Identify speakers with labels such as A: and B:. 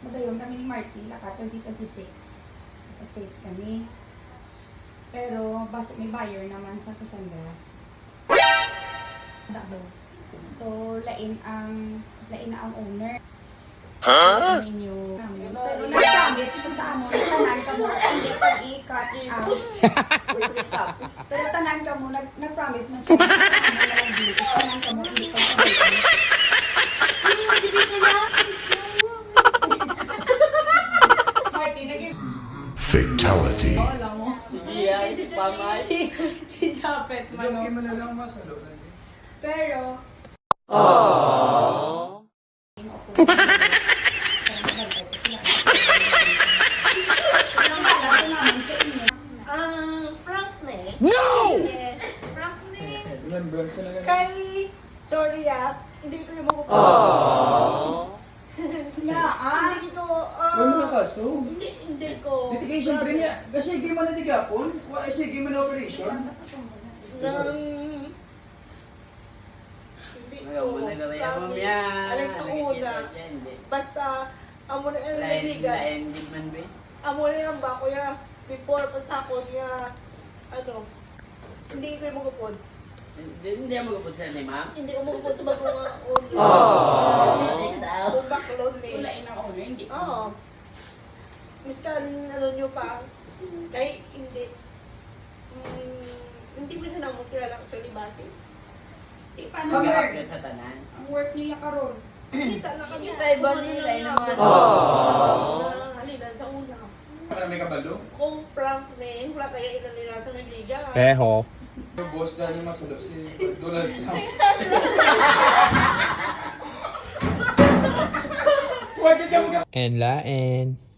A: Magayon kami ni Marty, laka 2026. States kami. Pero, basta may buyer naman sa Cassandras. So, lain na ang owner. Huh? Pero nag-promise siya sa amo, tanan ka mo, hindi pag-i-cut out. Pero tanan ka mo, nag-promise man siya, tanan ka mo, hindi pag-i-cut out.
B: Fatality.
C: Alam mo. Si Japet man.
D: Hindi mo na lang masalo.
A: Pero,
C: Frank ne?
B: No!
C: Yes. Frank ne?
D: Remembrance na ganun.
C: Kay, sorry hindi ko yung makukuha. Hindi ko,
D: Wala mo na kaso.
C: hindi ko.
D: Litigation pre niya. Kasi hindi mo na tigapon. Kasi hindi mo na operation.
C: Hindi ko.
E: Ayaw mo na gawin mo
C: Promise.
E: yan.
C: Alas sa una. Basta, amo na yung naligan.
E: Lain man ba?
C: Amo na yung ba, kuya. Before pa sa ako niya, hindi ko yung magupod.
E: Hindi mo kapag sa ni ma'am?
C: Hindi ko magupod sa bagong ulo.
E: Hindi ka daw.
C: Kung baklon eh.
A: wala na owner, hindi.
C: Oo. Miskan, nyo pa. Kahit hindi. Hindi mo na mo kilala actually base.
A: Paano
E: Pagkakap
A: work?
E: yun sa tanan.
A: Ang work niya karon.
C: Kita na kami.
E: Tayo ba nila naman?
C: Halina sa una.
D: Ano may kabalo?
C: Kung prank name, wala tayo ilan nila sa nagliga.
F: Eho.
D: Yung boss na yung masalo si Donald Trump. Wag ka
F: And lain.